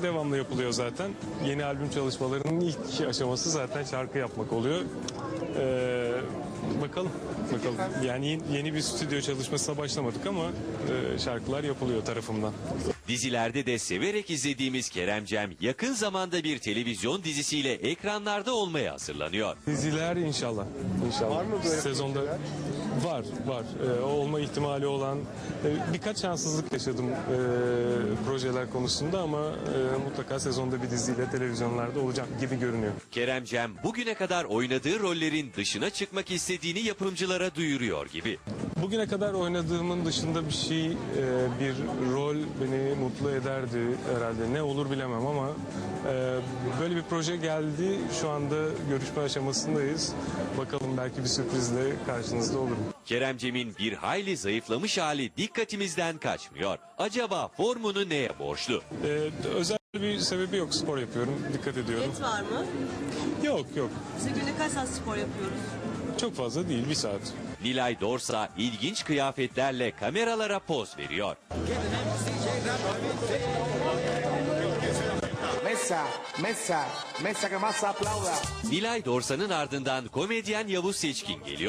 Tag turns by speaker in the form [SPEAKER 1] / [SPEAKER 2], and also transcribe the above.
[SPEAKER 1] çalışmaları devamlı yapılıyor zaten. Yeni albüm çalışmalarının ilk aşaması zaten şarkı yapmak oluyor. Bakalım. Yani yeni bir stüdyo çalışmasına başlamadık ama şarkılar yapılıyor tarafımdan.
[SPEAKER 2] Dizilerde de severek izlediğimiz Kerem Cem yakın zamanda bir televizyon dizisiyle ekranlarda olmaya hazırlanıyor.
[SPEAKER 1] Diziler inşallah.
[SPEAKER 3] Var mı böyle
[SPEAKER 1] sezonda?
[SPEAKER 3] projeler?
[SPEAKER 1] Var. Olma ihtimali olan birkaç şanssızlık yaşadım projeler konusunda ama mutlaka sezonda bir diziyle televizyonlarda olacak gibi görünüyor.
[SPEAKER 2] Kerem Cem bugüne kadar oynadığı rollerin dışına çıkmak istediğini yapımcılara duyuruyor gibi.
[SPEAKER 1] Bugüne kadar oynadığımın dışında bir şey, bir rol beni mutlu ederdi herhalde. Ne olur bilemem ama böyle bir proje geldi. Şu anda görüşme aşamasındayız. Bakalım belki bir sürprizle karşınızda olurum.
[SPEAKER 2] Kerem Cem'in bir hayli zayıflamış hali dikkatimizden kaçmıyor. Acaba formunu neye borçlu?
[SPEAKER 1] Özel bir sebebi yok. Spor yapıyorum. Dikkat ediyorum.
[SPEAKER 4] Et var mı?
[SPEAKER 1] Yok.
[SPEAKER 4] Biz de günde kaç saat spor yapıyoruz?
[SPEAKER 1] Çok fazla değil. 1 saat.
[SPEAKER 2] Nilay Dorsa ilginç kıyafetlerle kameralara poz veriyor.
[SPEAKER 3] Mesa que más aplauda.
[SPEAKER 2] Nilay Dorsa'nın ardından komedyen Yavuz Seçkin geliyor.